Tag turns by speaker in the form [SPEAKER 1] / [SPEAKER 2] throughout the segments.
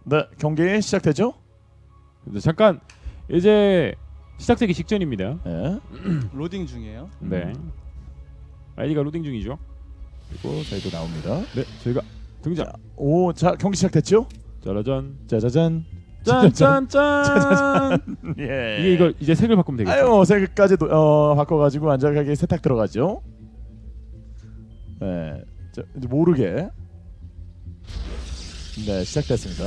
[SPEAKER 1] 네, 경기 시작되죠?
[SPEAKER 2] 잠깐 이제 시작되기 직전입니다.
[SPEAKER 1] 네.
[SPEAKER 3] 로딩 중이에요.
[SPEAKER 2] 네. 아이디가 로딩 중이죠.
[SPEAKER 1] 그리고 저희도 나옵니다.
[SPEAKER 2] 네, 저희가 등장.
[SPEAKER 1] 자, 경기 시작됐죠?
[SPEAKER 2] 짜라잔.
[SPEAKER 1] 짜자잔.
[SPEAKER 2] 짠짠짠.
[SPEAKER 1] 예.
[SPEAKER 2] 이게 이거 이제 색을 바꾸면 되겠죠.
[SPEAKER 1] 아유, 색까지 바꿔가지고 안전하게 세탁 들어가죠. 네, 자, 이제 모르게. 네, 시작됐습니다.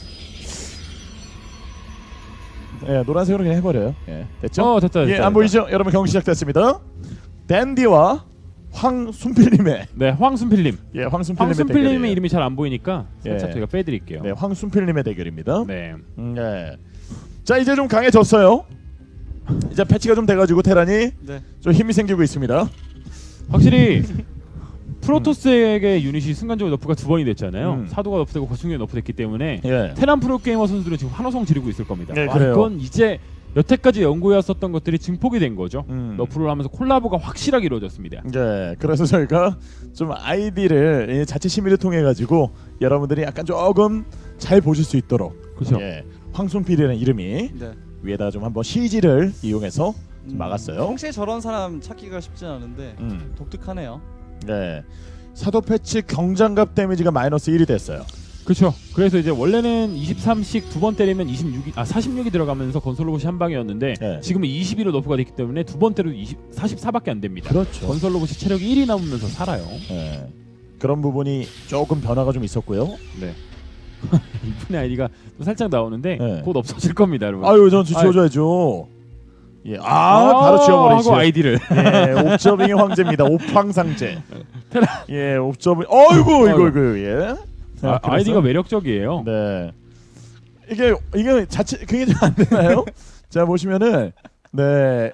[SPEAKER 1] 예, 노란색으로 그냥 해버려요. 예, 됐죠?
[SPEAKER 2] 됐다.
[SPEAKER 1] 예, 안 보이죠? 여러분 경기 시작됐습니다. 댄디와 황순필님의
[SPEAKER 2] 네, 황순필님.
[SPEAKER 1] 예, 황순필님의
[SPEAKER 2] 황순필님의
[SPEAKER 1] 대결이에요.
[SPEAKER 2] 이름이 잘 안 보이니까 살짝
[SPEAKER 1] 예.
[SPEAKER 2] 저희가 빼드릴게요.
[SPEAKER 1] 네, 황순필님의 대결입니다.
[SPEAKER 2] 네.
[SPEAKER 1] 네. 자, 이제 좀 강해졌어요. 이제 패치가 좀 돼가지고 테란이
[SPEAKER 3] 네.
[SPEAKER 1] 좀 힘이 생기고 있습니다.
[SPEAKER 2] 확실히 프로토스에게 유닛이 순간적으로 너프가 2번이 됐잖아요.
[SPEAKER 1] 음.
[SPEAKER 2] 사도가 너프되고 거충이 너프됐기 때문에
[SPEAKER 1] 예.
[SPEAKER 2] 테란 프로게이머 선수들은 지금 환호성 지르고 있을 겁니다.
[SPEAKER 1] 네, 그래요.
[SPEAKER 2] 이건 이제 여태까지 연구해왔었던 것들이 증폭이 된 거죠. 너프를 하면서 콜라보가 확실하게 이루어졌습니다.
[SPEAKER 1] 네, 그래서 저희가 좀 아이디를 자체 심의를 통해 가지고 여러분들이 약간 조금 잘 보실 수 있도록
[SPEAKER 2] 그렇죠.
[SPEAKER 1] 예, 황순필이라는 이름이
[SPEAKER 3] 네.
[SPEAKER 1] 위에다 좀 한번 CG를 이용해서 좀 막았어요.
[SPEAKER 3] 평소에 저런 사람 찾기가 쉽진 않은데 독특하네요.
[SPEAKER 1] 네, 사도 패치 경장갑 데미지가 마이너스 1이 됐어요.
[SPEAKER 2] 그렇죠. 그래서 이제 원래는 23씩 두 번 때리면 46이 들어가면서 건설 로봇이 한 방이었는데
[SPEAKER 1] 네.
[SPEAKER 2] 지금은 22로 너프가 됐기 때문에 두 번 때려도 44밖에 안 됩니다.
[SPEAKER 1] 그렇죠.
[SPEAKER 2] 건설 로봇이 체력이 1이 남으면서 살아요.
[SPEAKER 1] 네, 그런 부분이 조금 변화가 좀 있었고요.
[SPEAKER 2] 네. 이분의 아이디가 또 살짝 나오는데
[SPEAKER 1] 네.
[SPEAKER 2] 곧 없어질 겁니다, 여러분.
[SPEAKER 1] 아유, 전 지워줘야죠. 예, 바로 지워버리죠.
[SPEAKER 2] 하고 아이디를.
[SPEAKER 1] 예, 옵저빙의 황제입니다. 옵황상제. 예, 옵저빙. 어이구, 이거 예.
[SPEAKER 2] 아이디가 매력적이에요.
[SPEAKER 1] 네. 이게 자체 그게 좀 안 되나요? 자, 보시면은 네.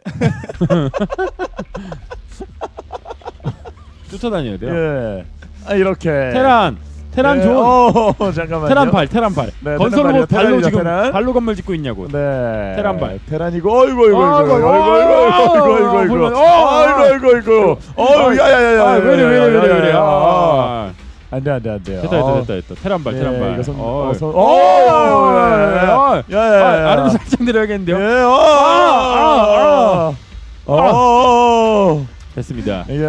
[SPEAKER 2] 쫓아다녀야 돼요.
[SPEAKER 1] 예. 아, 이렇게.
[SPEAKER 2] 테란
[SPEAKER 1] 예,
[SPEAKER 2] 존.
[SPEAKER 1] 잠깐만요.
[SPEAKER 2] 테란 발.
[SPEAKER 1] 네,
[SPEAKER 2] 건설
[SPEAKER 1] 테란
[SPEAKER 2] 로봇 발로
[SPEAKER 1] 발이요,
[SPEAKER 2] 지금
[SPEAKER 1] 테란.
[SPEAKER 2] 발로 건물 짓고 있냐고.
[SPEAKER 1] 네.
[SPEAKER 2] 테란 발.
[SPEAKER 1] 테란이고 어이구. 야야야야.
[SPEAKER 2] 왜래.
[SPEAKER 1] 안 돼요.
[SPEAKER 2] 됐다. 테란 발.
[SPEAKER 1] 이것은
[SPEAKER 2] 아래로 살짝 내려야겠는데요. 됐습니다.
[SPEAKER 1] 이게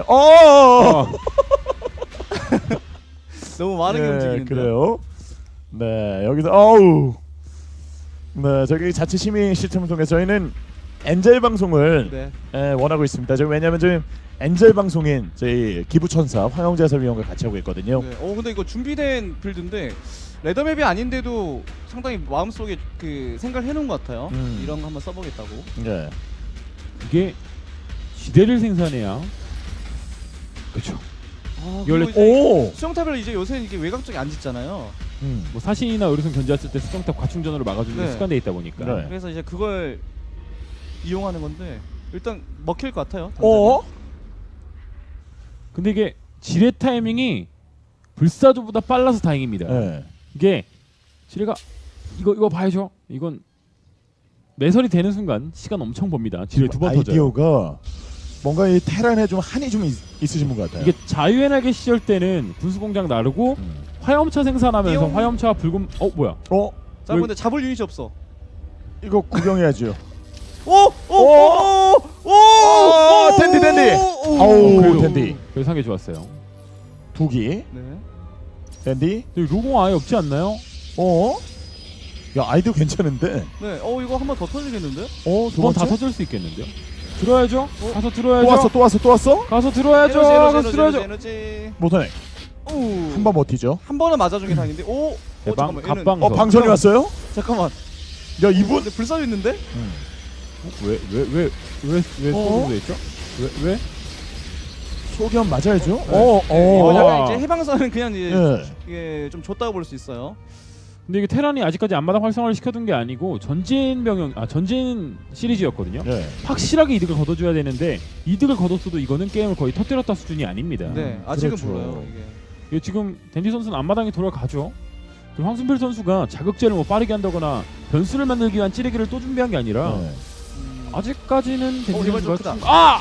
[SPEAKER 3] 너무 많은 게 움직이는데.
[SPEAKER 1] 그래요. 네, 여기서 네, 저기 자체 심의 시스템을 통해 저희는 엔젤 방송을
[SPEAKER 3] 네.
[SPEAKER 1] 원하고 있습니다. 저희 왜냐하면 저희 엔젤 방송인 저희 기부천사 황영재 해설위원과 같이 하고 있거든요.
[SPEAKER 3] 네. 근데 이거 준비된 빌드인데 레더맵이 아닌데도 상당히 마음속에 그 생각을 해놓은 것 같아요. 이런 거 한번 써보겠다고.
[SPEAKER 1] 네.
[SPEAKER 2] 이게 지대를 생산해야 그렇죠.
[SPEAKER 3] 원래
[SPEAKER 1] 오.
[SPEAKER 3] 수영탑을 이제 요새는 이게 외곽 쪽에 안 짓잖아요.
[SPEAKER 2] 뭐 사신이나 의료선 견제했을 때 수정탑 과충전으로 막아주는 게
[SPEAKER 3] 네.
[SPEAKER 2] 습관돼 있다 보니까.
[SPEAKER 1] 네.
[SPEAKER 3] 그래서 이제 그걸 이용하는 건데 일단 먹힐 것 같아요.
[SPEAKER 2] 근데 이게 지뢰 타이밍이 불사조보다 빨라서 다행입니다.
[SPEAKER 1] 네.
[SPEAKER 2] 이게 지뢰가 이거 봐야죠. 이건 매설이 되는 순간 시간 엄청 봅니다. 지뢰 두 번 터져요.
[SPEAKER 1] 아이디어가 뭔가 이 테란에 좀 한이 좀 있으신 분 같아요.
[SPEAKER 2] 이게 자유의 날개 시절 때는 군수공장 나르고 화염차 생산하면서
[SPEAKER 3] 띠용.
[SPEAKER 2] 화염차와 붉은 뭐야?
[SPEAKER 3] 자, 근데 잡을 유닛이 없어.
[SPEAKER 1] 이거 구경해야죠. 댄디. 아우, 댄디.
[SPEAKER 2] 그래서 상계 좋았어요.
[SPEAKER 1] 두기.
[SPEAKER 3] 네.
[SPEAKER 1] 댄디.
[SPEAKER 2] 근데 로공 아예 없지 않나요?
[SPEAKER 1] 야, 아이디어 괜찮은데.
[SPEAKER 3] 네. 이거 한 번 더 터지겠는데?
[SPEAKER 1] 두
[SPEAKER 2] 두 번 다
[SPEAKER 1] 번째?
[SPEAKER 2] 터질 수 있겠는데요? 들어야죠. 가서 들어야죠.
[SPEAKER 1] 또 왔어?
[SPEAKER 2] 가서 들어야죠. 가서 들어야죠.
[SPEAKER 3] 에너지.
[SPEAKER 1] 못하네. 한 번 버티죠.
[SPEAKER 3] 한 번은 맞아준 게 다행인데.
[SPEAKER 2] 대방
[SPEAKER 3] 잠깐만. 얘는-
[SPEAKER 2] 갑방.
[SPEAKER 1] 방선이 왔어요?
[SPEAKER 3] 잠깐만.
[SPEAKER 1] 야, 이분.
[SPEAKER 3] 근데 불사조 있는데?
[SPEAKER 2] 왜 소금돼 있죠? 왜?
[SPEAKER 1] 소견 맞아야죠.
[SPEAKER 3] 약간 이제 해방선은 그냥 이제
[SPEAKER 1] 예.
[SPEAKER 3] 이게 좀 줬다고 볼 수 있어요.
[SPEAKER 2] 근데 이게 테란이 아직까지 앞마당 활성화를 시켜둔 게 아니고 전진 시리즈였거든요.
[SPEAKER 1] 네.
[SPEAKER 2] 확실하게 이득을 거둬줘야 되는데 이득을 거뒀어도 이거는 게임을 거의 터뜨렸다 수준이 아닙니다.
[SPEAKER 3] 네. 아직은
[SPEAKER 1] 그렇죠.
[SPEAKER 3] 몰라요 이게.
[SPEAKER 2] 이게 지금 댄디 선수는 앞마당에 돌아가죠. 그리고 황순필 선수가 자극제를 뭐 빠르게 한다거나 변수를 만들기 위한 찌르기를 또 준비한 게 아니라
[SPEAKER 1] 네.
[SPEAKER 2] 아직까지는 댄디
[SPEAKER 3] 이번 좀
[SPEAKER 2] 선수가
[SPEAKER 3] 크다.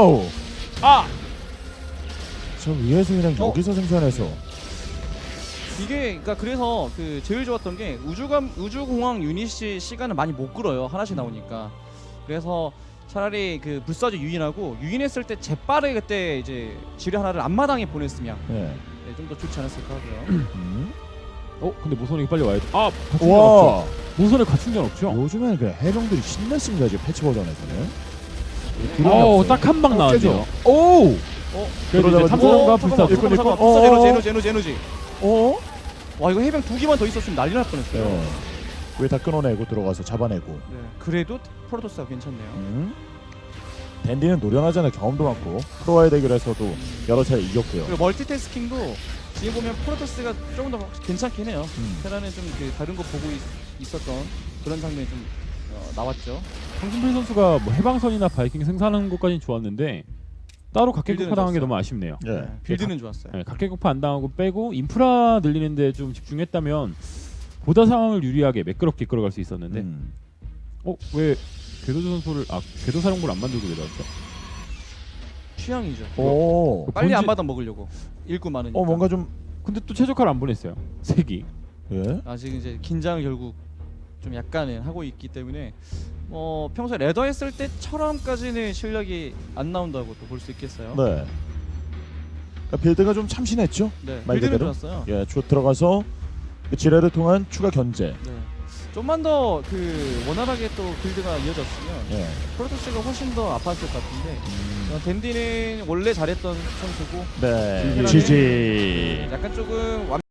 [SPEAKER 1] 저 위에서 그냥 여기서 생산해서
[SPEAKER 3] 이게 그러니까 그래서 그 제일 좋았던 게 우주공항 유닛이 시간을 많이 못 끌어요. 하나씩 나오니까. 그래서 차라리 그 불사조 유인하고 유인했을 때 재빠르게 그때 이제 지뢰 하나를 앞마당에 보냈으면
[SPEAKER 1] 네.
[SPEAKER 3] 좀 더 좋지 않았을까 하고요.
[SPEAKER 2] 근데 모선이 빨리 와야죠. 갖춘 전
[SPEAKER 1] 와.
[SPEAKER 2] 없죠. 모선에 갖춘 전 없죠.
[SPEAKER 1] 요즘에는 그 해병들이 신났습니다. 지금 패치 버전에서는.
[SPEAKER 2] 딱 한 방 나왔네요.
[SPEAKER 1] 오.
[SPEAKER 3] 어?
[SPEAKER 2] 그래도 이제
[SPEAKER 1] 그러다가
[SPEAKER 2] 탐사정과
[SPEAKER 3] 잠깐만,
[SPEAKER 2] 불사조.
[SPEAKER 1] 일꾼,
[SPEAKER 3] 잠깐만,
[SPEAKER 1] 일꾼.
[SPEAKER 3] 불사 에너지.
[SPEAKER 1] 어?
[SPEAKER 3] 와 이거 해병 2기만 더 있었으면 난리 날 뻔했어요.
[SPEAKER 1] 네. 왜 다 끊어내고 들어가서 잡아내고.
[SPEAKER 3] 네. 그래도 프로토스가 괜찮네요.
[SPEAKER 1] 댄디는 노련하잖아요. 경험도 많고 프로와의 대결에서도 여러 차례 이겼고요.
[SPEAKER 3] 그리고 멀티태스킹도 지금 보면 프로토스가 조금 더 괜찮긴 해요. 테라는 좀 그 다른 거 보고 있었던 그런 장면이 좀 나왔죠.
[SPEAKER 2] 황순필 선수가 뭐 해방선이나 바이킹 생산하는 것까지는 좋았는데 따로 각계격파
[SPEAKER 3] 빌드는
[SPEAKER 2] 당한 게
[SPEAKER 3] 좋았어요.
[SPEAKER 2] 너무 아쉽네요.
[SPEAKER 1] 예.
[SPEAKER 3] 빌드는 좋았어요.
[SPEAKER 2] 네, 각계격파 안 당하고 빼고 인프라 늘리는데 좀 집중했다면 보다 상황을 유리하게 매끄럽게 이끌어갈 수 있었는데 왜 궤도조 선수를 궤도사령부를 안 만들고 내려왔죠?
[SPEAKER 3] 취향이죠.
[SPEAKER 1] 오.
[SPEAKER 3] 빨리
[SPEAKER 2] 본질-
[SPEAKER 3] 안마당 먹으려고 일구 많으니까.
[SPEAKER 1] 뭔가 좀
[SPEAKER 2] 근데 또 최적화를 안 보냈어요. 색이.
[SPEAKER 1] 예.
[SPEAKER 3] 아직 이제 긴장을 결국 좀 약간은 하고 있기 때문에 평소에 레더 했을 때처럼까지는 실력이 안 나온다고 또 볼 수 있겠어요.
[SPEAKER 1] 네. 그러니까 빌드가 좀 참신했죠.
[SPEAKER 3] 네.
[SPEAKER 1] 말
[SPEAKER 3] 빌드는
[SPEAKER 1] 그대로?
[SPEAKER 3] 좋았어요.
[SPEAKER 1] 예, 들어가서 그 지뢰를 통한 추가 견제.
[SPEAKER 3] 네. 좀만 더 그 원활하게 또 빌드가 이어졌으면
[SPEAKER 1] 예.
[SPEAKER 3] 프로토스가 훨씬 더 아팠을 것 같은데 댄디는 원래 잘했던 선수고
[SPEAKER 1] 네.
[SPEAKER 3] 테라는
[SPEAKER 1] 지지.
[SPEAKER 3] 약간 조금